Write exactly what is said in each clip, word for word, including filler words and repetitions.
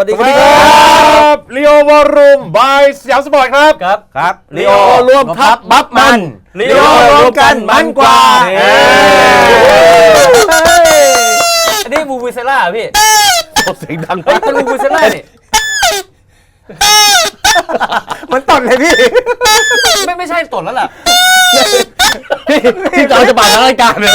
วัสดีครับลีโอวอลลุ่มบายสยามสปอร์ตครับครับครับลีโอรวมทัพบัฟมันลีโอรวมกันมันกว่าอันนี้บูบูเซล่าพี่เสียงดังเฮ้ยเป็นบูบูเซล่านี่มันตดเลยพี่ไม่ไม่ใช่ตดแล้วล่ะพี่พี่เราจะมาทางรายการเลย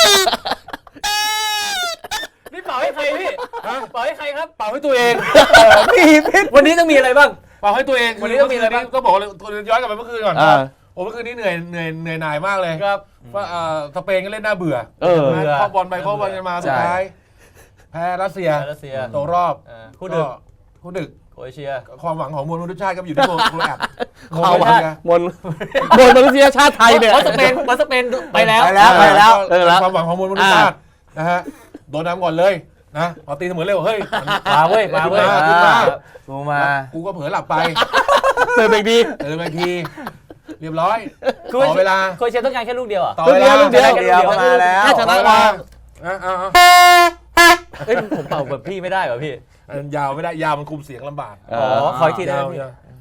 นี่เป่าให้ใครพี่เป่าให้ใครครับเป่าให้ตัวเองพี่วันนี้ต้องมีอะไรบ้างเป่าให้ตัวเองวันนี้ต้องมีอะไรบ้างก็บอกเลยย้อนกลับไปเมื่อคืนก่อนโอ้เมื่อคืนนี้เหนื่อยเหนื่อยเหนื่อยหน่ายมากเลยครับว่าสเปนก็เล่นน่าเบื่อเออเข้าบอลไปเข้าบอลกันมาสุดท้ายแพ้รัสเซียตกรอบคู่ดึกคู่ดึกโครเอเชียความหวังของมวลมนุษยชาติก็อยู่ที่โครแอตความหวังมวลมวลมนุษยชาติไทยเนี่ยเพราะสเปนเพราะสเปนไปแล้วไปแล้วไปแล้วความหวังของมวลมนุษยชาตินะฮะโดนน้ำก่อนเลยนะพอตีเสมอเร็วเฮ้ยมาเว้ยมาเว้ยขึ้นมากูมากูก็เผลอหลับไปเติมอีกทีเติมอีกทีเรียบร้อยต่อเวลาโครเอเชียต้องการแค่ลูกเดียวอ่ะต่อเวลาลูกเดียวเดียวมาแล้วถ้าชนะมาเอ้ยผมเป่าแบบพี่ไม่ได้เหรอพี่ยาวไม่ได้ยาวมันคุมเสียงลำบากอ๋อขออีกทีได้ไหม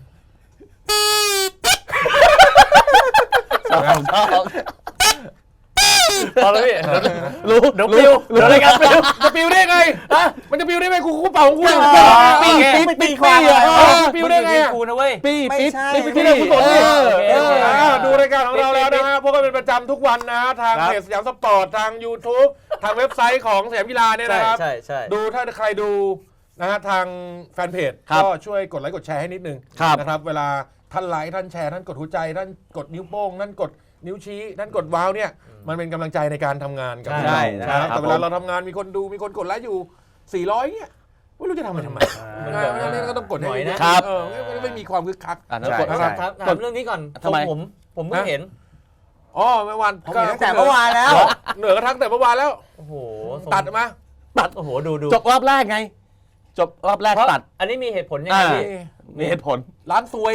พอแล้วพี่รู้เดี๋ยวปิวเดี๋ยวอะไรกันปิวจะปิวได้ไงมันจะปิวได้ไงกูกูเป่าของกูปีปีปีควายปิวได้ไงกูนะเว้ยปีปีปีปีได้ผู้สนดิดูรายการของเราแล้วนะฮะพวกเราเป็นประจำทุกวันนะทางเพจสยามสปอร์ตทาง YouTube ทางเว็บไซต์ของสยามกีฬาเนี่ยนะครับดูถ้าใครดูนะฮะทางแฟนเพจก็ช่วยกดไลค์กดแชร์ให้นิดนึงนะครับเวลาท่านไลค์ท่านแชร์ท่านกดหัวใจท่านกดนิ้วโป้งท่านกดนิ้วชี้ท่านกดว้าวเนี่ยมันเป็นกำลังใจในการทำงานกับเรานะครับแต่เวลาเราทำงานมีคนดูมีคนกดไลค์อยู่สี่ร้อยเนี่ยไม่รู้จะทำมันทำไมมันก็ต้องกดให้นะครับไม่มีความคึกคักถามเรื่องนี้ก่อนทำไมผมผมเพิ่งเห็นอ๋อเมื่อวานผมเห็นตั้งแต่เมื่อวานแล้วเหนือกระทั่งแต่เมื่อวานแล้วโอ้โหตัดมาตัดโอ้โหดูดูจบรอบแรกไงจบรอบแรกตัดอันนี้มีเหตุผลยังไงพี่มีเหตุผลร้านซวย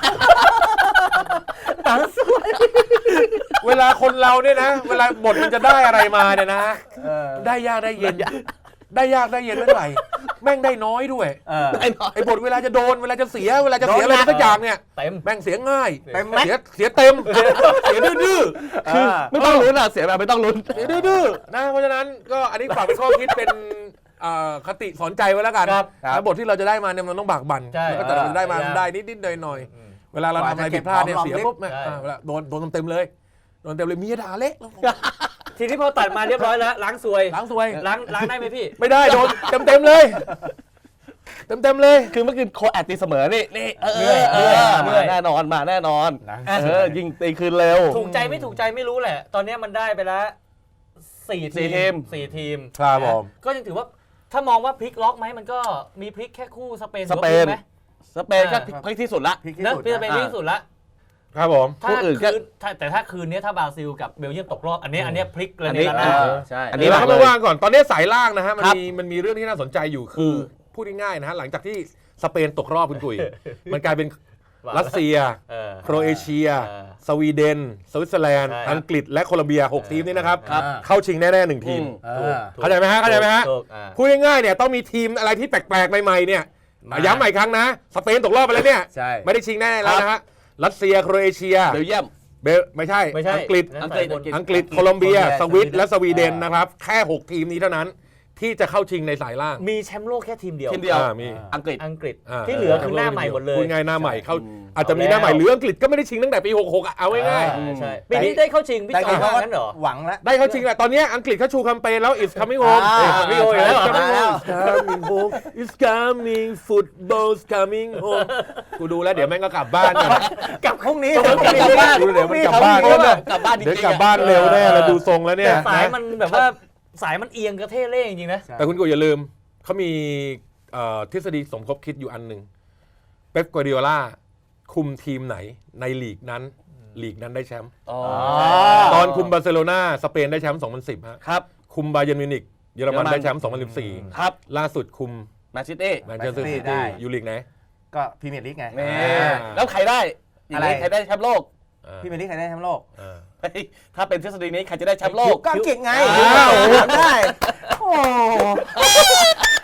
ร้านซวยเวลาคนเราเนี่ยนะเวลาบทมันจะได้อะไรมาเนี่ยนะได้ยากได้เย็นได้ยากได้เย็นไม่เท่าไหร่แม่งได้น้อยด้วยไอ้บทเวลาจะโดนเวลาจะเสียเวลาจะเสียอะไรสักอย่างเนี่ยแม่งเสียง่ายเสียเสียเต็มเสียดื้อคือไม่ต้องลุ้นอ่ะเสียแบบไม่ต้องลุ้นเสียดื้อนะเพราะฉะนั้นก็อันนี้ฝากเป็นข้อคิดเป็นคติสอนใจไว้แล้วกันแล้วบทที่เราจะได้มาเนี่ยมันต้องบากบั่นแล้วก็แต่เราได้มาได้นิดๆหน่อยๆเวลาเราทำอะไรผิดพลาดเนี่ยเสียปุ๊บเวลาโดนโดนเต็มเลยโดนเต็มเลยมีด่าเละทีนี้พอตัดมาเรียบร้อยแล้วล้างซวยล้างซวยล้างล้างได้ไหมพี่ไม่ได้โดนเต็มเต็มเลยเต็มเต็มเลยคือเมื่อคืนโคแอตตีเสมอนี่นี่เรื่อยมาแน่นอนมาแน่นอนเออยิงตีคืนเร็วถูกใจไม่ถูกใจไม่รู้แหละตอนนี้มันได้ไปแล้วสี่ทีมสี่ทีมครับผมก็ยังถือว่าถ้ามองว่าพลิกล็อกไหมมันก็มีพลิกแค่คู่สเปนสเปนไหมสเปนก็พลิกที่สุดละพลิกที่สเปนพลิกที่สุดละครับผมถ้าคืนแต่ถ้าคืนนี้ถ้าบราซิลกับเบลเยียมตกรอบอันนี้อันนี้พลิกเลยในนั้นใช่อันนี้เราไม่ว่างก่อนตอนนี้สายล่างนะฮะมันมีมันมีเรื่องที่น่าสนใจอยู่คือพูดง่ายๆนะฮะหลังจากที่สเปนตกรอบคุณกุยมันกลายเป็นรัสเซียโครเอเชียสวีเดนสวิตเซอร์แลนด์อังกฤษและโคลอมเบียหกทีมนี้นะครับเข้าชิงแน่ๆหนึ่งทีมเข้าใจไหมฮะเข้าใจไหมฮะพูดง่ายๆเนี่ยต้องมีทีมอะไรที่แปลกๆใหม่ๆเนี่ยย้ำใหม่ครั้งนะสเปนตกรอบไปแล้วเนี่ยไม่ได้ชิงแน่แล้วนะฮะรัสเซียโครเอเชียเบลเยียมเบลไม่ใช่อังกฤษอังกฤษอังกฤษโคลอมเบียสวิตและสวีเดนนะครับแค่หกทีมนี้เท่านั้นที่จะเข้าชิงในสายล่างมีแชมป์โลกแค่ทีมเดียวทีมเดียวมีอังกฤษอังกฤษที่เหลือคือหน้าใหม่หมดเลยพูดง่ายหน้าใหม่เขาอาจจะมีหน้าใหม่หรืออังกฤษก็ไม่ได้ชิงตั้งแต่ปีหกสิบหกอ่ะเอาง่ายๆใช่ปีนี้ได้เข้าชิงพี่จอยว่างั้นเหรอหวังแล้วได้เข้าชิงแหละตอนนี้อังกฤษเขาชูแคมเปญแล้ว is coming home coming home แล้ว coming home is coming football's coming home กูดูแล้วเดี๋ยวแม่งก็กลับบ้านกลับพรุ่งนี้กลับบ้านดูเดี๋ยวมันกลับบ้านกลับบ้านจริงๆเดี๋ยวกลับบ้านเร็วแน่เลยดูทรงแล้วเนี่ยสายมันแบบว่าสายมันเอียงกระเทเล่จริงๆนะแต่คุณกูอย่าลืมเขามีทฤษฎีสมคบคิดอยู่อันหนึ่งเป๊ปกัวร์ดิโอลาคุมทีมไหนในลีกนั้นลีกนั้นได้แชมป์ตอนคุมบาร์เซโลนาสเปนได้แชมป์สองพันสิบครับคุมบาเยิร์นมิวนิกเยอรมันได้แชมป์สองพันสิบสี่ครับล่าสุดคุมแมนซิตี้แมนเชสเตอร์ซิตี้อยู่ลีกไหนก็พรีเมียร์ลีกไงแล้วใครได้อะไรใครได้แชมป์โลกพรีเมียร์ลีกใครได้แชมป์โลกถ้าเป็นทฤษฎีนี้ใครจะได้แชมป์โลกก็อังกฤษไงได้โอ้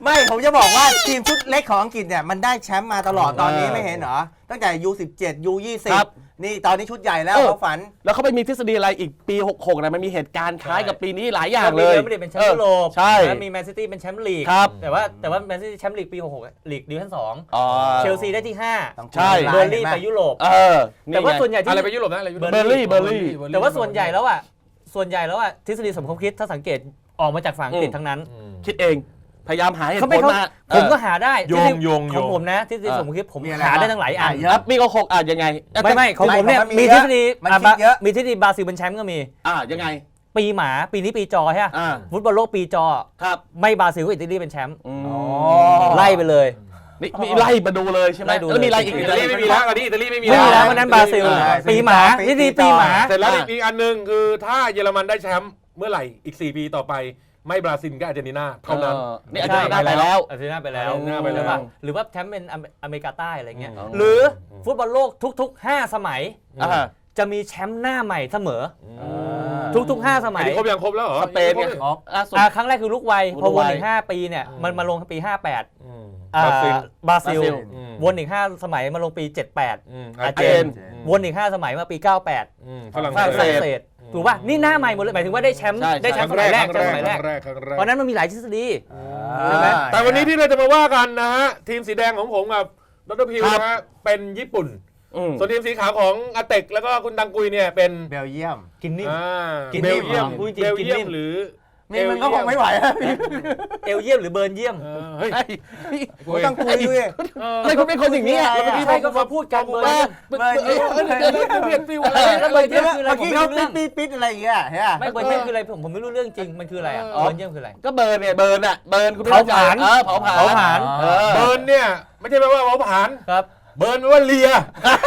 ไม่ผมจะบอกว่าทีมชุดเล็กของอังกฤษเนี่ยมันได้แชมป์มาตลอดตอนนี้ไม่เห็นเหรอตั้งแต่ ยู สิบเจ็ด ยู ยี่สิบ นี่ตอนนี้ชุดใหญ่แล้วเขาฝันแล้วเขาไปมีทฤษฎีอะไรอีกปีหกสิบหกนะมันมีเหตุการณ์คล้ายกับปีนี้หลายอย่างเลยไม่ได้เป็นแชมป์ยุโรปใช่มีแมนซิตี้เป็นแชมป์ลีกครับแต่ว่าแต่ว่าแมนซิตี้แชมป์ลีกปีหกสิบหกลีกดิวิชั่นสองอ๋อเชลซีได้ที่ห้าใช่เบอร์ลี่ไปยุโรปเออแต่ว่าส่วนใหญ่ที่อะไรไปยุโรปนะอะไรยุโรปเบอร์ลี่เบอร์ลี่แต่ว่าส่วนใหญ่แล้วอ่ะส่วนใหญ่แล้วอ่ะทฤษฎีสมคบคิดถ้าสังเกตออกมาจากฝั่งอังกฤษทั้งนั้นคิดเองพยายามหาเหตุเขาผไม่ลเขามาผมก็หาได้โยงโยงขโยองงผมนะทฤษฎีสมคบคิดผมหาได้ทั้งหลายอันครับมีก็หกอ่ะยังไงไม่ไม่ของผมเนี่ยมีทฤษฎีมันคิดเยอะมีทฤษฎีบราซิลเป็นแชมป์ก็มีอ่ายังไงปีหมาปีนี้ปีจอใช่ไหมอ่าฟุตบอลโลกปีจอครับไม่บราซิลก็อิตาลีเป็นแชมป์อืมไล่ไปเลยนี่มีไล่มาดูเลยใช่ไหมไล่ดูเลยแล้วมีอะไรอีกอิตาลีไม่มีแล้วตอนนี้อิตาลีไม่มีไม่มีแล้วววันนั้นบราซิลใช่ปีหมาทฤษฎีปีหมาเสร็จแล้วอีกอันหนึ่งคือถ้าเยอรมันได้แชมป์เมื่อไหร่อีกสี่ปีต่อไปไม่บราซิลก็อาร์เจนตินาเท่านั้นออนี่อาจจะได้ไปแล้วอาร์เจนตินาไปแล้วอาร์เจนตินาไปแล้วหรือว่าหรือว่าแชมป์เป็นอเมริกาใต้อะไรเงี้ยอืมหรือฟุตบอลโลกทุกๆห้าสมัยอ่าจะมีแชมป์หน้าใหม่เสมออ่าทุกๆห้าสอัมันยนี้ครบยังครบแล้วเหรอสเปนไงครบล่าสุดอ่าครั้งแรกคือลูกวัยลูกพอวนวัยอีกห้าปีเนี่ยมันมาลงปีห้าแปดอืมอ่าบราซิลบราซิลบราซิลอืมวนอีกห้าสมัยมาลงปีเจ็ดแปดอืมอาร์เจนอืมวนอีกห้าสมัยมาปีเก้าแปดอืมฝรั่งฝรั่งเศสเศสถูกป่ะนี่หน้าใหม่หมดเลยหมายถึงว่าได้แชมป์ใช่ได้แชมป์สมัยแรกครั้งสมัยแรแรกกครั้งแรกครั้งแรกเพราะนั้นมันมีหลายทฤษฎีใช่ไหมแต่วันนี้ที่เราจะมาว่ากันนะฮะทีมสีแดงของผมกับดรพิวนะฮะเป็นญี่ปุ่นอืมส่วนทีมสีขาวของอาเต็กแล้วก็คุณดังกุยเนี่ยเป็นเบลเยียมกินนิ่มอ่ากินเบนิ่ลมเยียมเหรอพูดจริงเบลกินเยียนิ่มมหรือนี่มันก็คงไม่ไหวแล้วพี่เอลเยี่ยมหรือเบิร์นเยี่ยมเออเฮ้ยไอ้โอ้ยต้องคุยด้วยเออไม่คุณเป็นคนอย่างนี้อ่ะแล้วเมื่อกี้ใครก็มาพูดกันเบิร์นเยี่ยมเบอร์เยี่ยมเออเดี๋ยวเดี๋ยวเดี๋ยวเปลี่ยนฟิวอะไรแล้วเบิร์นเยี่ยมคืออะไรเมื่อผมกี้ไม่เขารู้ปิเรื่ดองปิดปิดอะไรอย่างเงี้ยใช่ไหมไม่เบิร์นเยี่ยมคืออะไรผมผมไม่รู้เรื่องจริงมันคืออะไรอ่ะอ๋อเบิร์นเยี่ยมคืออะไรก็เบิร์นเนี่ยเบิร์นอ่ะเบิร์นคุณไม่เผาเข้ใจผลาญเออเผาผลาญเผาผลาญเออเบิร์นเนี่ยไม่ใช่แปลว่าเผาผลาญครับเบิร์นแปลว่าเลีย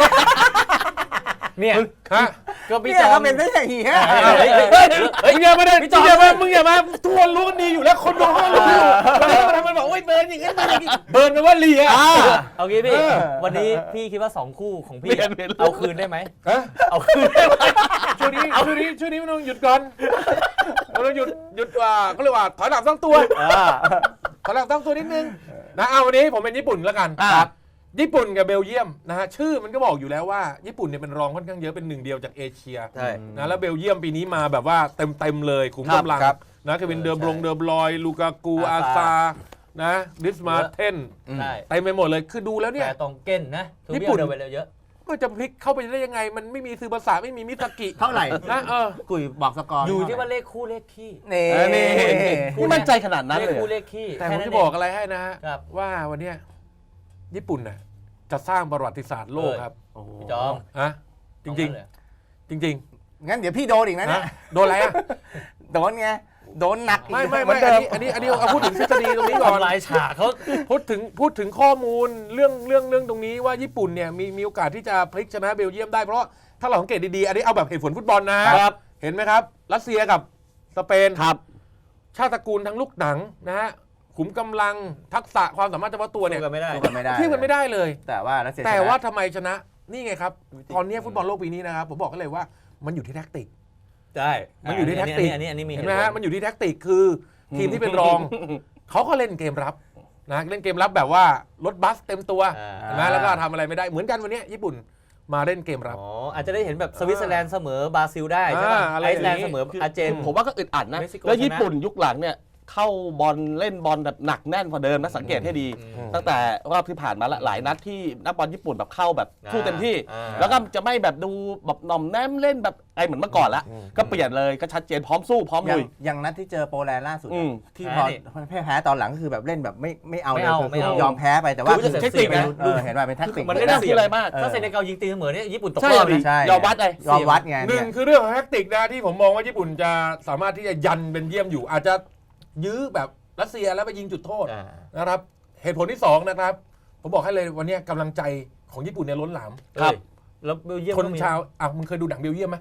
เนี่ยฮะก็พี่เนี่ยจอเขามเป็นไม่ใช่เหี้ยเฮ้ยเฮ้ยเฮ้เฮ้ยยมึงอย่ามาได้พี่จมึอมงอย่ามามึงอย่ามาทุกคนรู้กันดีอยู่แล้วคนดูเขารู้อยู่วันนี้มันทำมันบอกโอ้ยเบิร์นอย่างงี้เบิร์นอย่างงี้เบิร์นแปลว่าเลียอ่าเอางี้พี่เออวันนี้พี่คิดว่าสองคู่ของพี่เปลี่ยนเปลี่ยนเอาคืนได้ไหมฮะเอาคืนได้ไหมช่วงนี้ช่วงนี้ช่วงนี้มันต้องหยุดก่อนมันต้องหยุดหยุดว่าเขาเรียกว่าถอยหลังตั้งตัวอ่าถอยหลังตั้งตัวนิดนึงนะเอาวันนี้ผมเป็นญี่ปุ่นแล้วกันอ่าครับญี่ปุ่นกับเบลเยียมนะฮะชื่อมันก็บอกอยู่แล้วว่าญี่ปุ่นเนี่ยเป็นรองค่อนข้างเยอะเป็นหนึ่งเดียวจากเอเชียใช่นะแล้วเบลเยียมปีนี้มาแบบว่าเต็มเต็มๆเลยขุมครับกำลังครับนะเควินเดอร์บรงใช่เดอร์บลอยลูกากูอาอาซาซานะดิสมาเทนใช่เต็มไปหมดเลยคือดูแล้วเนี่ยแต่ตองเก้นนะทูญี่เบียปุ่นเดินไปเร็วเยอะมันจะพลิกเข้าไปได้ยังไง มันไม่มีซือภาษาไม่มีมิสกิเท่าไหร่นะเออกุยบอกสกอร์อยู่ที่ว่าเลขคู่เลขขี้นี่เออนี่นี่มั่นใจขนาดนั้นเลขเลยคู่เหรเลอขขี้แต่ผค่มนั้นจะเงบอกอะไรให้นะฮะครับว่าวันเนี้ยญี่ปุ่นน่ะจะสร้างประวัติศาสตร์โลกครับโอ้โหพี่จอมฮะจริงเอางั้นเลยๆ จริงงั้นเดี๋ยวพี่โดนอีกนะๆเนี่นะยโดนอะไรอ่ะโดนไงโดนหนักอีกไม่ไม่เหมืไม่อนเดิอันมนี้อันนี้อันนี้เอาพูดถึงทฤษฎีตรงนี้ก่อนทำลายฉากเขาพูดถึงพูดถึงข้อมูลเรื่องเรื่องเรื่องตรงนี้ว่าญี่ปุ่นเนี่ยมีมีโอกาสที่จะพลิกชนะเบลเยียมได้เพราะถ้าเราสังเกตดีๆอันนี้เอาแบบเหตุผลฟุตบอลนะครับ เห็นไหมครับรัสเซียกับสเปนครับชาติตระกูลทั้งลูกหนังนะฮะขุมกำลังทักษะความสามารถเฉพาะตัวเนี่ยสู้กันไม่ได้สู้กันไม่ได้เทียบกันไม่ได้เลยแต่ว่ารัสเซียแต่ชนะว่าทำไมชนะนี่ไงครับ ตอนนี้ฟุตบอลโลกปีนี้นะครับ ผมบอกกันเลยว่ามันอยู่ที่แท็กติกใช่มันอยู่ที่แท็กติกอันนี้อันนี้มีเห็นไหมฮะมันอยู่ที่แท็กติกคือทีมที่เป็นรอง เขาก็เล่นเกมรับนะเล่นเกมรับแบบว่ารถบัสเต็มตัวอ่าเห็นไหมแล้วก็ทำอะไรไม่ได้เหมือนกันวันนี้ญี่ปุ่นมาเล่นเกมรับอ๋ออาจจะได้เห็นแบบสวิตเซอร์แลนด์เสมอบราซิลได้ใช่ป่ะอ่าอะไรไออย่างซ์แลนด์นี้เสมออาร์เจนผมว่าก็อึดอัดนะเม็กซิโกแล้วญี่ชนะปุ่นยุคหลังเนี่ยเข้าบอลเล่นบอลแบบหนักแน่นกว่าเดิมนะสังเกตให้ดีอืมตั้งแต่รอบที่ผ่านมาละหลายนัดที่นักบอลญี่ปุ่นแบบเข้าแบบสู้เต็มที่อ่าแล้วก็จะไม่แบบดูแบบหน่อมแนมเล่นแบบไอเหมือนเมื่อก่อนละก็เปลี่ยนเลยก็ชัดเจนพร้อมสู้พร้อมอย่างลุยอย่างนัดที่เจอโปแลนด์ล่าสุดอืมที่พอแพ้แพ้ตอนหลังก็คือแบบเล่นแบบไม่ไม่เอาไม่เลยเอาคือไม่เอายอมแพ้ไปแต่ว่าคือจะคือเทคนิคไงเออเห็นว่าเป็นแท็กติกมันไม่ได้น่าคิดอะไรมากเออถ้าเซเนกัลยิงตีเสมอเนี่ยญี่ปุ่นตกใช่รอบดินะใช่ยอมวัดเลยยอมวัดไงหนึ่เนี่งยคือเรื่องของแท็กติกนะที่ผมมองว่าญี่ปุ่นจะสามารถที่จะยันเป็นเยี่ยมอยู่ อาจจะยื้อแบบรัสเซียแล้วไปยิงจุดโทษอ่านะครับเหตุผลที่สองนะครับ ผมบอกให้เลยวันนี้กำลังใจของญี่ปุ่นเนี่ยล้นหลามครับเอ้ยแล้วเบลเยียมคนก็มีชาวอ่ะมึงเคยดูหนังเบลเยียมไหม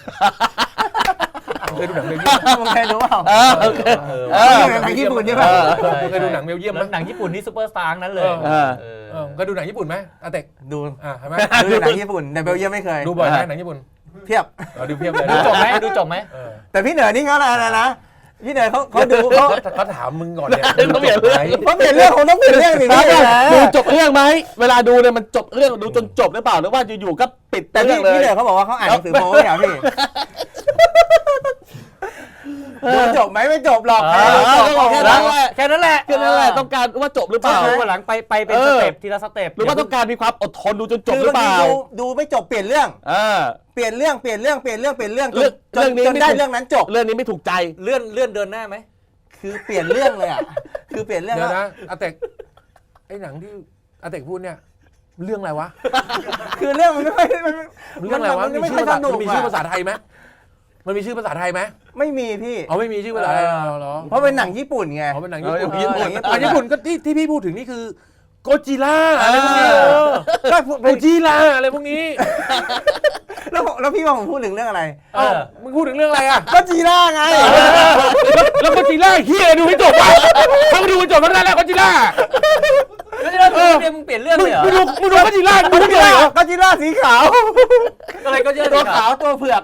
มึงเคยดูหนังเบลเยียมไหมมึงเคยรู้เปล่าเออโอเคเออเออหนังญี่ปุ่นใช่ป่ะมึงเคยดูหนังเบลเยียมไหมแล้วหนังญี่ปุ่นนี่ซูเปอร์สตาร์ทั้งนั้นเลยเออเออเออเคยดูหนังญี่ปุ่นไหมอาเต็กดูอ่ะเห็นไหมดูหนังญี่ปุ่นแต่เบลเยียมไม่เคยดูบ่อยไหมหนังญี่ปุ่นเพียบเราดูเพียบเลยดูจบไหมดูจบไหมเออแต่พี่เหนือนี่เขาอะไรนะพี่เนยเขาเขาดูเขาเขาถามมึงก่อนเนี่ยต้องเปลี่ยนเรื่องเขาเปลี่ยนเรื่องของต้องเปลี่ยนเรื่องสิครับพี่ดูจบเรื่องไหมเวลาดูเนี่ยมันจบเรื่องดูจนจบหรือเปล่าหรือว่าอยู่ๆก็ปิดแต่เรื่พี่องเลยพี่เนยเขาบอกว่าเขาอ่านหนังสือโป๊เนี่ยพี่ดูจบไหมไม่จบหรอกเออจบแค่นั้นแหละแค่นั้นแหละแค่นั้นแหละต้องการว่าจบหรือเปก็ล่าคือวันหลังไปไปเป็นเอสอเต็ปทีละสเต็ปหรือว่าต้องการมีความอดทนดูจนจบคือหรือบางเปทีล่าดูดูไม่จบเปลี่ยนเรื่องเออเปลี่ยนเรื่องเปลี่ยนเรื่องเปลี่ยนเรื่องเปลี่ยนเรื่องจเรื่นองจนเรื่องนี้จนไม่ได้ถูกเรื่องนั้นจบเรื่องนี้ไม่ถูกใจเลื่อนเลื่อนเดินหน้าไหมคือเปลี่ยนเรื่องเลยอ่ะคือเปลี่ยนเรื่องเดี๋ยวแล้วนะอาเต็กไอ้หนังที่อาเต็กพูดเนี่ยเรื่องอะไรวะคือเรื่องมันไม่ค่อยมันเรื่องอะไรวะมันมีไม่ชื่ค่ออยภาสษานุกมันมีชื่อภาษาไทยไหมมันมีชื่อภาษาไทยไหมไม่มีพี่เอาไม่มีชื่อภาษาไทยเหรอเพราะเป็นหนังญี่ปุ่นไงเขาเป็นหนังญี่ปุ่นเออญี่ปุ่นอ่ะญี่ปุ่นก็ที่ที่พี่พูดถึงนี่คือโกจิล่าอะไรพวกนี้เออเออก็โกจิล่าอะไรพวกนี้แล้วแล้วพี่ว่าผมพูดถึงเรื่องอะไรเอ้ามึงพูดถึงเรื่องอะไรอ่ะก็จีร่าไงแล้วแล้วโกจิล่าเฮียดูให้จบอ่ะถ้ามึงดูให้จบแล้วได้แล้วโกจิล่าแล้วที่เราดูเนี่ยมึงเปลี่ยนเรื่องมึเลงยเหรอมึงดูมึงดูโกจิล่ามึงก็ดูจีเลยร่าเหรอก็จีร่าสีขาวอะไรก็เยอะตัวสิขาวตัวเผือก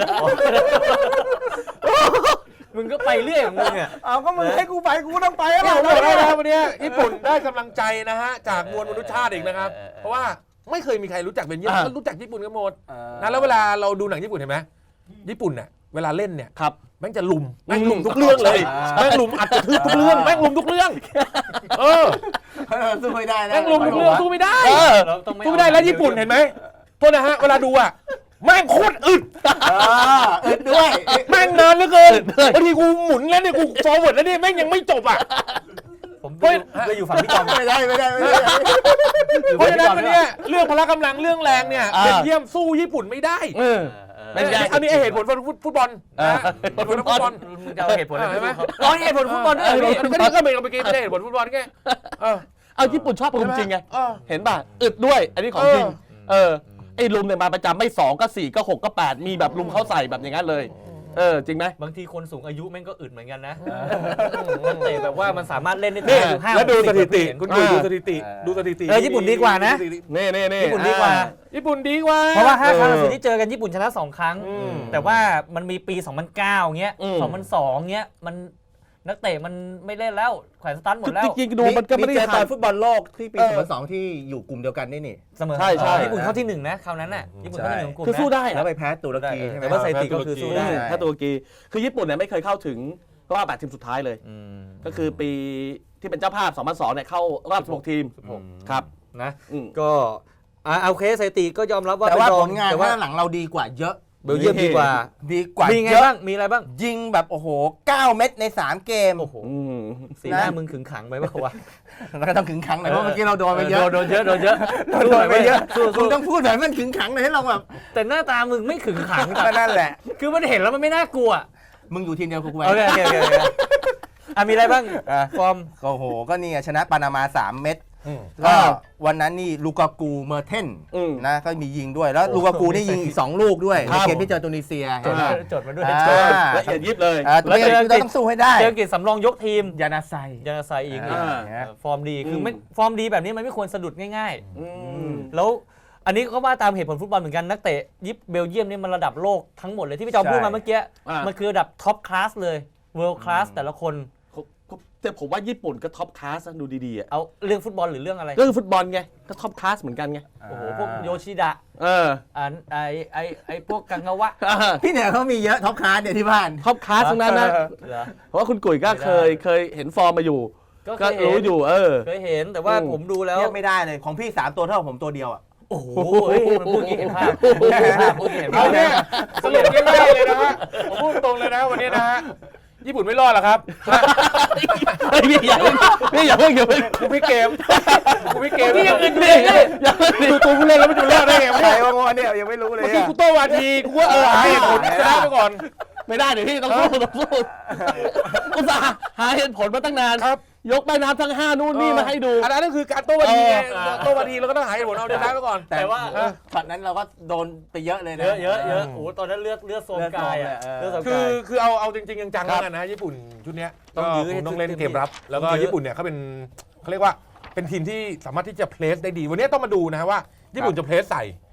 มึงก็ไปเรื่อยของมึงอ่ะเอาก็มึงให้กูไปกูต้องไปแล้วเราเราบอกได้ได้นะแล้ววันนี้ญี่ปุ่นได้กำลังใจนะฮะจากมวลมนุษยชาติอีกนะครับ เพราะว่าไม่เคยมีใครรู้จักเบนเยียมอ่าก็รู้จักญี่ปุ่นกันหมดนะแล้วเวลาเราดูหนังญี่ปุ่นเห็นไหมญี่ปุ่นเนี่ยเวลาเล่นเนี่ยครับแม่งจะลุมแม่งลุมทุกเรื่องเลยแม่งลุมอัดกระทืบทุกเรื่องแม่งลุมทุกเรื่องเออเออสู้ไม่ได้นะแม่งลุมทุกเรื่องสู้ไม่ได้เออเราต้องสู้ไม่ได้แล้วญี่ปุ่นเห็นไหมโทษนะฮะเวลาดูอ่ะแม่งโคตรอึดเอออึดด้วยแม่งนานเหลือเกินบางทีกูหมุนแล้วเนี่ยกูฟอร์เวิร์ดแล้วเนี่ยแม่งยังไม่จบอ่ะผมเฮ้ยก็อยู่ฝั่งพี่จอมไม่ได้ไม่ได้ไม่ได้เพราะฉะนั้นวันเนี้ยเรื่องพละกำลังเรื่องแรงเนี่ยอ่าเบนเยียมสู้ญี่ปุ่นไม่ได้เอออันนี้อันนี้ไอ้เหตุผลฟุตบอลนะเออเหตุผลฟุตบอลมึงจะเอาเหตุผลอะไรเห็นไหมร้อยเหตุผลฟุตบอลด้วยเออเหรอก็พี่นี่ก็เป็นเมื่อกี้ไม่ได้เหตุผลฟุตบอลแค่เออเอาญี่ปุ่นชอบลุมจริงไงเออเห็นป่ะอึดด้วยอันนี้ของจริงเออเออไอ้ลุมเนี่ยมาประจำไม่สองก็สี่ก็หกก็แปดมีแบบลุมเข้าใส่แบบอย่างนั้นเลย เออจริงไหมบางทีคนสูงอายุแม่งก็อึดเหมือนกันนะนักเตะแบบว่ามันสามารถเล่นได้นี่ถึงห้าแล้วดูหกสถิติเห็นคุณดูดูสถิติดูสถิติเออญี่ปุ่นดีกว่านะนี่นี่นี่ญี่ปุ่นดีกว่าญี่ปุ่นดีกว่าเพราะว่าห้าครั้งเออล่าสุดที่เจอกันญี่ปุ่นชนะสองครั้งอืมแต่ว่ามันมีปี สองพันเก้า เงี้ยอืมสองพันสอง เงี้ยมันนักเตะมันไม่เล่นแล้วแขวนสตันหมดแล้วจริงๆดูมันก็ไม่ได้เจอตห่าอง นฟุตบอลโลกที่ปีเออสองพันสองที่อยู่กลุ่มเดียวกันนี่นี่เสมอใช่ใช่ญี่ปุ่นเข้าที่หนึ่งนะคราวนั้นน่ะญี่ปุ่นเข้าที่หนึ่งของกลุ่มคือสู้นะได้แล้วอะไปแพ้ตุรกีใช่ไหมแต่ว่าสถิติก็คือสู้ได้ใช่ถ้าตุรกีคือญี่ปุ่นเนี่ยไม่เคยเข้าถึงรอบแปดทีมสุดท้ายเลยอืมก็คือปีที่เป็นเจ้าภาพสองพันสองเนี่ยเข้ารอบสิบหกทีมสิบหกครับนะอืมก็อ่าโอเคสถิติก็ยอมรับว่าแต่ว่าเป็นรผองลงานแต่ว่าข้างหลังเราดีกว่าเยอะเบลเยียมดีกว่าดีกว่ามีไงเยอะบ้างมีอะไรบ้างยิงแบบโอ้โหเก้าเม็ดในสามเกมโอ้โหอืมสีหน้านะมึงขึงขังไปป่าวะแล้วก็ต้องขึงขังหน่อยเพราะเมื่อกี้เราโดนไปเยอะโดนเยอะโดนเยอะโดนไปเยอะสู้คุณต้องพูดหน่อยมันขึงขังหน่อยให้เราแบบแต่หน้าตามึงไม่ขึงขังก็นั่นแหละคือมันเห็นแล้วมันไม่น่ากลัวมึงอยู่ทีมเดียวกับกูไหมโอเคโอเคโอเคโอเคอ่ะมีอะไรบ้างอ่ะฟอร์มโอ้โห ก็นี่ไงชนะปานามาสามเม็ดอืมก็วันนั้นนี่ลูกากูเมอร์เทนอืมนะก็มียิงด้วยแล้วลูกากูนี่ยิงอีกสองลูกด้วยครัในบเกมที่เจอตุนิเซียจดเห็นไหมจดมาด้วยอ่าจดละเอียดยิบเลยอ่าตัวเองเราต้องสู้ให้ได้เจออังกฤษสำรองยกทีมยานาไซยานาไซอีกอ่าเออฟอร์มดีคือไม่ฟอร์มดีแบบนี้มันไม่ควรสะดุดง่ายอืมๆ แล้วอันนี้ก็ว่าตามเหตุผลฟุตบอลเหมือนกันนักเตะยิปเบลเยียมนี่มันระดับโลกทั้งหมดเลยที่พี่จอมพูดมาเมื่อกี้อ่ามัมันคือระดับท็อปคลาสเลยเวิลด์คลาสแต่ละคนแต่ผมว่าญี่ปุ่นก็ท็อปคลาสนะดูดีๆอะเอาเรื่องฟุตบอลหรือเรื่องอะไรเรื่องฟุตบอลไงก็ท็อปคลาสเหมือนกันไงโอ้โหพวกโยชิดะเอออ่าไอไอไอพวกกังงาวะพี่เนี่ยเขามีเยอะท็อปคลาสเนี่ยที่บ้านท็อปคลาสทั้งนั้นนะเหรอเพราะว่าคุณกุ๋ยก็เคยเคยเห็นฟอร์มมาอยู่ก็เคก็ยเห็รู้นอยู่เออเคยเห็นแต่ว่าอืมผมดูแล้วเทียบไม่ได้เลยของพี่สามตัวเท่าผมตัวเดียวอ่ะโอ้โหเฮ้ยมันพูดอย่างนี้เห็นภาพพูดเห็นภาพพูดเห็นภาเอาพเนี่ยสรุปง่ายๆเลยนะฮะผมพูดตรงเลยนะวันนี้นะฮะญี่ปุ่นไม่รอดหรอกครับเฮ้ยพี่อย่าเพิ่งพี่อย่าเพิ่งอย่าเพิ่งกูพี่เกมกูพี่เกมพี่ยังอื่นอยู่เลยอย่าเพิ่งดิดูตัวผู้เล่นแล้วมันจะรอดได้ไงใครเมื่วะงอเนี่ยยังไม่รู้เลยอกี้อะกูโต้วาทีกูว่าเออหาเหตุผลชนะไปก่อนไม่ได้เดี๋ยวพี่ต้องสู้ต้องสู้อุตส่าห์หาเหตุผลมาตั้งนานครับยกใบน้ำทั้งห้านู่นนี่มาให้ดูอันนั้นคือการโต้วาทีไงเออโต้วาทีเราก็ต้องหาเหตุผลเอาชนะไปก่อนแต่ว่าช็อตนั้นเราก็โดนไปเยอะเลยนะเยอะเยอะเยอะโอ้โหตอนนั้นเลือดเลือดโซมกายอ่ะเลืเลืออดดโซโซมมคืกาอย คือเอาเอาจริงๆจังๆแล้วกันนะญี่ปุ่นชุดเนี้ยต้องยื้อให้คต้องเล่นเต็มที่เกมรับ แล้วก็ต้องยื้อญี่ปุ่นเนี่ยเขาเป็นเขาเรียกว่าเป็นทีมที่สามารถที่จะเพลสได้ดี วันนี้ต้องมาดูนะฮะว่าญี่ปุ่นจะเพลสใส่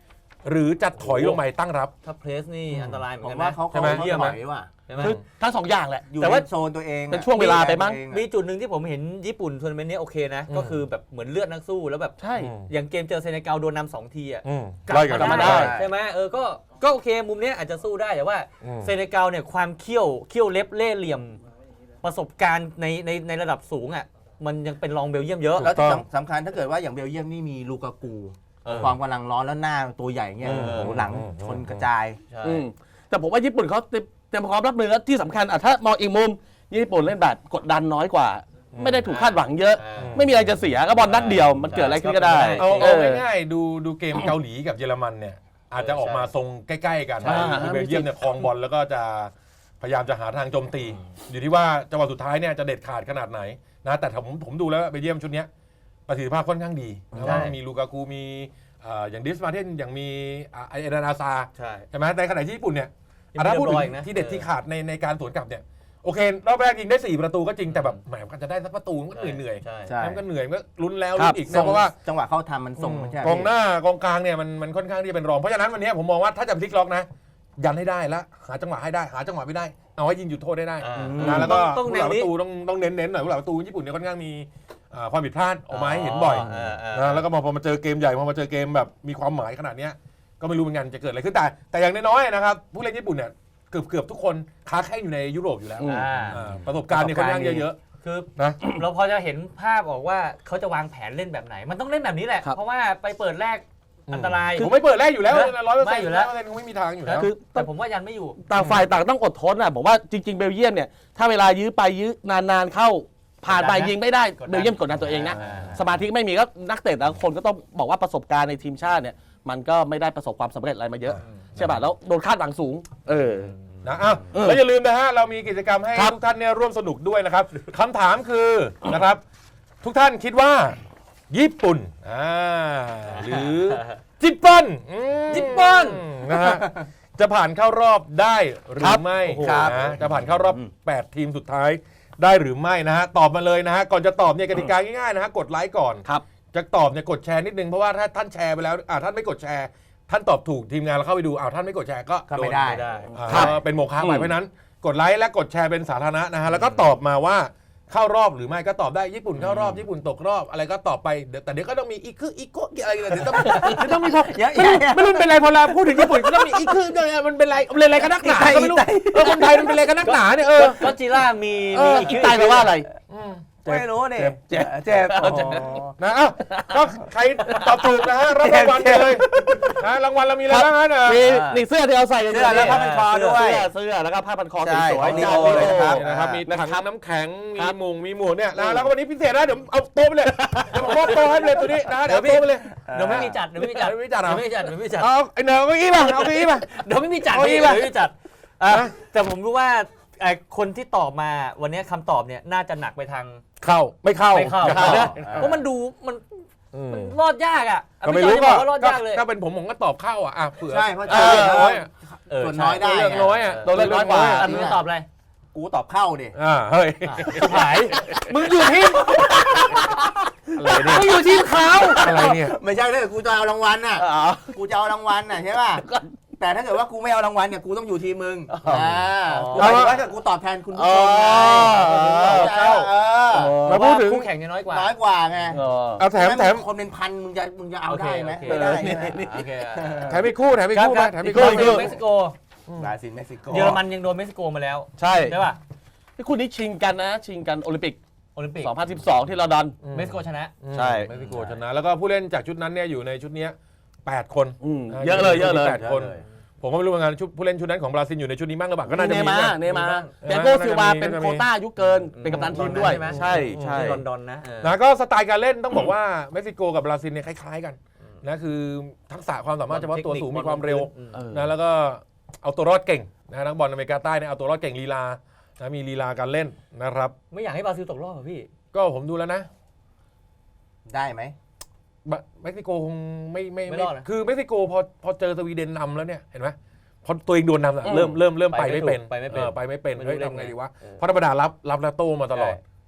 หรือจะถอยลงไปตั้งรับถ้าเพรสนี่อันตรายเหมือนผมกันว่านะเขาใช่ไหมเขาเยี่ยมถไหมอยว่ะใช่ไหมคือทั้งสองอย่างแหละอยู่แต่ในว่าโซนตัวเองอะเป็นช่วงเวลาไปมั้งตัวเอะมีจุดหนึ่งที่ผมเห็นญี่ปุ่นทัวร์นาเมนต์นี้โอเคนะอืมก็คือแบบเหมือนเลือดนักสู้แล้วแบบใช่อย่างเกมเจอเซเนกัลโดนนำสองทีอ่ะอืมกลับไล่กันมามาได้ได้ใช่ไหมเออก็ก็โอเคมุมเนี้ยอาจจะสู้ได้แต่ว่าอืมเซเนกัลเนี่ยความเขี้ยวเขี้ยวเล็บเล่ห์เหลี่ยม ประสบการณ์ในในในระดับสูงอ่ะมันยังเป็นรองเบลเยียมเยอะแล้วถูกต้องสำสำคัญถ้าเกิดว่าอย่างเบลเยียมนี่มีลูกากูเออความกำลังร้อนแล้วหน้าตัวใหญ่เงี้ยเออโอ้โหหลังอืมชนกระจายใช่อืมแต่ผมว่าญี่ปุ่นเขาเตรียมเตรียมพร้อมรับมือแล้วที่สำคัญอ่ะถ้ามองอีกมุมญี่ปุ่นเล่นแบบกดดันน้อยกว่า ไม่ได้ถูกคาดหวังเยอะอ่าไม่มีอะไรจะเสียก็บอลนัดเดียวมันเกิดอะไรขึ้นก็ได้เอาเอเอาอง่ายๆดูดูเกมเกาหลีกับเยอรมันเนี่ยอาจจะออกมาทรงใกล้ๆกันใช่คือเบลเยียมเนี่ยครองบอลแล้วก็จะพยายามจะหาทางโจมตี อยู่ที่ว่าจังหวะสุดท้ายเนี่ยจะเด็ดขาดขนาดไหนนะแต่ผมผมดูแล้วเบลเยียมชุดเนี้ยประสิทธิภาพค่อนข้างดีนะใช่ว่ามีลูกากูมีเอ่ออย่างดิสมาเทนอย่างมีอ่าไอเอเดนาซาใช่ใช่ไหมในขณะที่ญี่ปุ่นเนี่ยยังอ่ะถ้าพูดถึเรียบร้อยอีกงนะที่เด็ดเออที่ขาดในในการสวนกลับเนี่ยโอเครอบแรกยิงได้สี่ประตูก็จริงแต่แบบแหมกันจะได้สักประตูมันก็เหนื่อยๆใช่ใช่มันก็เหนื่อยมันก็ลุ้นแล้วครัลุ้บนอีกส่นะงเพราะว่าจังหวะเข้าทำมันส่งมันใช่กองหน้ากองกลางเนี่ยมันมันค่อนข้างที่จะเป็นรองเพราะฉะนั้นวันนี้ผมมองว่าถ้าจะพลิกล็อกนะ ยันให้ได้แล้วหาจังหวะให้ได้หาจังหวะไม่ได้เอาให้ยิงจุดโทษได้ได้อ่านะแล้วก็ต้องผู้เน้หลันงปนี้ระตูต้องต้องเน้นเน้นหน่อยผู้หลังประตูญี่ปุ่นเนี่ยค่อนข้างมีอ่าความผิดพลาดออกมาให้เห็นบ่อย นะแล้วก็พอมาเจอเกมใหญ่พอมาเจอเกมแบบมีความหมายขนาดเนี้ยก็ไม่รู้เหมือนกันจะเกิดอะไรขึ้นแต่แต่อย่างน้อยๆนะครับผู้เล่นญี่ปุ่นเนี่ยเกือบเกือบทุกคนค้าแข่งอยู่ในยุโรปอยู่แล้วอืมอ่าอ่าประสบการณ์เนี่ยค่อนข้างเยอะคือๆนะเราพอจะเห็นภาพออกว่าเขาจะวางแผนเล่นแบบไหน มันต้องเล่นแบบนี้แหละครับเพราะว่าไปเปิดแรกอันตรายผมไม่เปิดแรกอยู่แล้วนะร้อยเปอร์ไม่เซ็นต์อยู่อยู่แล้แล้ว วคงไม่มีทางอยู่แล้วคือแต่ผมว่ายันไม่อยู่ต่างฝ่ายต่างต้องอดทนอ่ะผมว่าจริง ๆ เบลเยียมเนี่ยถ้าเวลายื้อไปยื้อนานๆเข้าผ่านไปกดดันนะยิงไม่ได้กดดันเบลเยียมกดดันตัวเองนะอ่าสมาธิไม่มีก็นักเตะแต่ละคนก็ต้องบอกว่าประสบการณ์ในทีมชาติเนี่ยมันก็ไม่ได้ประสบความสำเร็จอะไรมาเยอะใช่ป่ะแล้วโดนคาดหวังสูง เออนะอ้าวเออแล้วอย่าลืมนะฮะเรามีกิจกรรมให้ครับทุกท่านเนี่ยร่วมสนุกด้วยนะครับคำถามคือนะครับ ทุกท่านคิดว่า ญี่ปุ่นอ่าหรือญี่ปุ่นอืมญี่ปุ่นนะฮะจะผ่านเข้ารอบได้หรือไม่ครับนะจะผ่านเข้ารอบ แปด ทีมสุดท้ายได้หรือไม่นะฮะตอบมาเลยนะฮะก่อนจะตอบเนี่ยกติกาง่ายๆนะฮะกดไลค์ก่อนครับจะตอบเนี่ยกดแชร์นิดนึงเพราะว่าถ้าท่านแชร์ไปแล้วอ่าท่านไม่กดแชร์ ท่านตอบถูกทีมงานเราเข้าไปดูอ้าวท่านไม่กดแชร์ก็ก็ไม่โนได้ไม่ได้อ่าครับเป็นโมฆะไปอืมเพราะฉะนั้นกดไลค์และกดแชร์เป็นสาธารณะนะฮะแล้วก็ตอบมาว่าเข้ารอบหรือไม่ก็ตอบได้ญี่ปุ่นเข้ารอบญี่ปุ่นตกรอบอะไรก็ตอบไปเดี๋ยวแต่เดี๋ยวก็ต้องมีอีกคืออีกโกะอะไรกันเดี๋ยวต้องเดี๋ยวต้องมีพอเยอะไม่รู้แยะไม่รู้เป็นไรพอเราพูดถึงญี่ปุ่นก็ต้องมีอีกคือเนี่ยมันเป็นไรมันเป็นอะไรกันนักหนาก็ไม่รู้เออคนไทยมันเป็นอะไรกันนักหนาเนี่ยเออก็จิล่ามีเออมีอีกใต้แปลว่าอะไรไม่รู้นี่เจ็บเจ็บเจ็บโอ้โหนะอ้าวก็ใครตอบถูกนะฮะรับรางวัลไปเลยนะรางวัลเรามีอะไรบ้างฮะเนี่ยมีนี่เสื้อที่เราใส่เสื้อแล้วผ้าพันคอด้วยเสื้อเสื้อแล้วก็ผ้าพันคอใช่สวยของๆดีโอเลยนะครับนี่นะครับมีนะถังครับน้ำแข็งมีครับหมุงมีหมวกเนี่ยนะแล้วก็วันนี้พิเศษนะเดี๋ยวเอาโต๊ะไปเลยเดี๋ยวผมมอบโต๊ะให้ไปเลยตัวนี้นะเดี๋ยวเอาโต๊ะไปเลยเดี๋ยวไม่มีจัดเดี๋ยวไม่มีจัดเดี๋ยวไม่มีจัดเหรอเดี๋ยวไม่มีจัดเดี๋ยวไม่มีจัดเอาไอ้เนยเอาเก้าอี้มาเอาเก้าอี้มาเดี๋ยวไม่มีจัดเอาพี่อีกเดี๋ป่ะยวไม่มีจัดอ่ะแต่ผมรู้ว่าไอ้คนที่ตอบมาวันนี้คำตอบเนี่ยน่าจะหนักไปทางเข้าไม่เข้าไม่เข้าอย่นะเพราะมันดูมันอืมมันรอดยากอ่ะก็ไม่รู้พี่จก็อยจะบอกว่ารอดยากเลยถ้าเป็นผมผมก็ตอบเข้าอ่ะอ่ะเผื่อใช่เพราะเออน้อยอ่ะเออส่วนน้อยได้เลือกไงน้อยอ่ะตัวเลือกน้อยกว่าอันนี้ตอบอะไรกูตอบเข้าดิอ่าเฮ้ยหายมึงอยู่ทีมอะไรเนี่ยมึงอยู่ทีมเขาอะไรเนี่ยไม่ใช่ถ้าเกิดกูจะเอารางวัลน่ะอ๋อกูจะเอารางวัลน่ะใช่ป่ะแต่ถ้าเกิดว่ากูไม่เอารางวัลเนี่ยกูต้องอยู่ทีมมึงอ่ากูหมายถึงว่าถ้ากูตอบแทนคุณผู้ชมไงอ๋อเข้าเออมาพูดถึงคู่แข่งจะน้อยกว่าน้อยกว่าไงเออเอาแถมแถมคนเป็นพันมึงจะมึงจะเอาโอเคได้ไหมโอเคไม่ได้ใช่ไหมโอเคแถมอีกคู่แถมอีกครับคู่คไปรับแถมอีอีกกคู่คู่หนึ่งเม็กซิโกบราซิลเม็กซิโกเยอรมันยังโดนเม็กซิโกมาแล้วใช่ใช่ป่ะที่คู่นี้ชิงกันนะ ชิงกันโอลิมปิกโอลิมปิกสองพันสิบสองที่ลอนดอนเม็กซิโกชนะใช่เม็กซิโกชนะแล้วก็ผู้เล่นจากชุดนั้นเนี่ยอยู่ในชุดเนี้ยแปดคนอืมเยอะเลยเยอะเลยแปดคนผมก็ไม่รู้เหมือนกันชุดผู้เล่นชุดนั้นของบราซิลอยู่ในชุดนี้บ้างหรือเปล่าก็น่าจะเนมีมานะเนมามีบ้างเปียโกซิลวาน่าจะมีเป็นน่าจะมีโควต้าอายุเกิน เป็นกัปตันทีมด้วยใช่ไหมใช่ใช่ที่ลอนดอนนะเออนะก็สไตล์การเล่นต้องบอกว่าเม็กซิโกกับบราซิลเนี่ยคล้ายๆกันนะคือทักษะความสามารถเฉพาะตัวสูงมีความเร็วเออนะแล้วก็เอาตัวรอดเก่งนะนักบอลอเมริกาใต้เนี่ยเอาตัวรอดเก่งลีลานะมีลีลาการเล่นนะครับไม่อยากให้บราซิลตกรอบอ่ะพี่ก็ผมดูแล้วนะได้ไหมบะเม็กซิโกคงไม่ไม่ไม่ไม่รอดนะคือเม็กซิโกพอพอเจอสวีเดนนำแล้วเนี่ยเห็นไหมพอตัวเองโดนนำอะอืมเริ่มเริ่มเริ่มไปไปไม่ไม่เป็นถูกไปไม่เป็นออไปไม่เป็นไม่รู้เฮ้ยเล่นทำไงไงดีวะเออเพราะธรรมดารับรับแล้วโต้มาตลอดใช่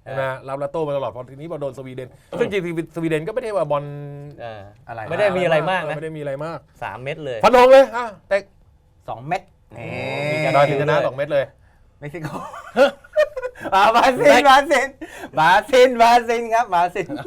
นะรับแล้วโต้มาตลอดพอทีนี้พอโดนสวีเดนซึ่งจริงๆสวีเดนก็ไม่ได้ว่าบอลเอออะไรไม่ได้มีอะไรมากนะไม่ได้มีอะไรมากสามเม็ดเลยฟันธงเลยอ่ะแต่สองเม็ดนี่มีดอยถึงชนะสองเม็ดเลยเม็กซิโกอ่าบราซิลบราซิลบราซิลบราซิลครับบราซิล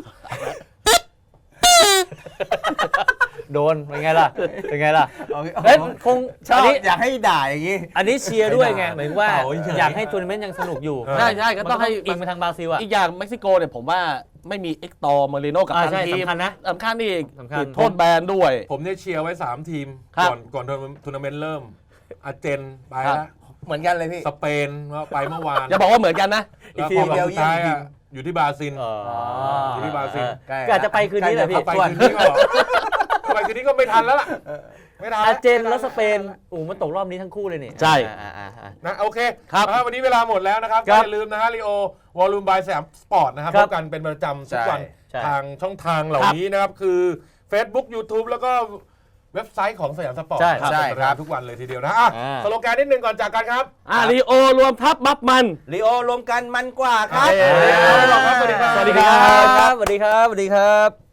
โดนเป็นไงล่ะเป็นไงล่ะโอเคเอ้ยคงชออันบนี้อยากให้ด่าอย่างนี้อันนี้เชียร์ด้วยไงหมายถึงว่าเป่าเฉยๆอยากให้ทัวร์นาเมนต์ยังสนุกอยู่ใช่ใช่ก็ต้องให้มันอิงไปทางบราซิลอ่ะอีกอย่างเม็กซิโกเนี่ยผมว่าไม่มีเอ็กตอร์มาริโนกับอ่าทางใช่ทีมสำคัญนะสำคัญนี่สำคัญติดโทษแบนด้วยผมเนี่ยเชียร์ไว้สามทีมครับก่อนก่อนทัวร์นาเมนต์เริ่มอาร์เจนไปครัแล้วบเหมือนกันเลยพี่สเปนไปเมื่อวานอย่าบอกว่าเหมือนกันนะแล้วอีกทีพอเดียวสุดท้ายเยี่ยมจริอ่ะงอยู่ที่บราซิลอ๋ออยู่ที่บราซิลใกล้ก็อาจจะไปคืนนี้แหละพี่ไปคืนนี้ก็ไปคืนนี้ก็ไม่ทันแล้วล่ะไม่ทันอาร์เจนและสเปนโอ้โหมันตกรอบนี้ทั้งคู่เลยนี่ใช่อ่าอ่าอ่านะโอเคครับนะวันนี้เวลาหมดแล้วนะครับคก็รับอย่าลืมนะฮะลีโอวอลลุ่มบายสยามสปอร์ตนะครับคพรับบกันเป็นประจำทุกวันใช่ทางช่องทางเหล่านี้นะครับ คือ Facebook YouTube แล้วก็เว็บไซต์ของสยามสปอร์ตใช่ครับใช่ครับทุกวันเลยทีเดียวนะอ่ะอ่าสโลแกนนิดนึงก่อนจากกันครับอ่าลีโอรวมทัพบัฟมันลีโอรวมกันมันกว่าครับโอเคสวัสดีครับสวัสดีครับสวัสดีครับสวัสดีครับสวัสดีครับ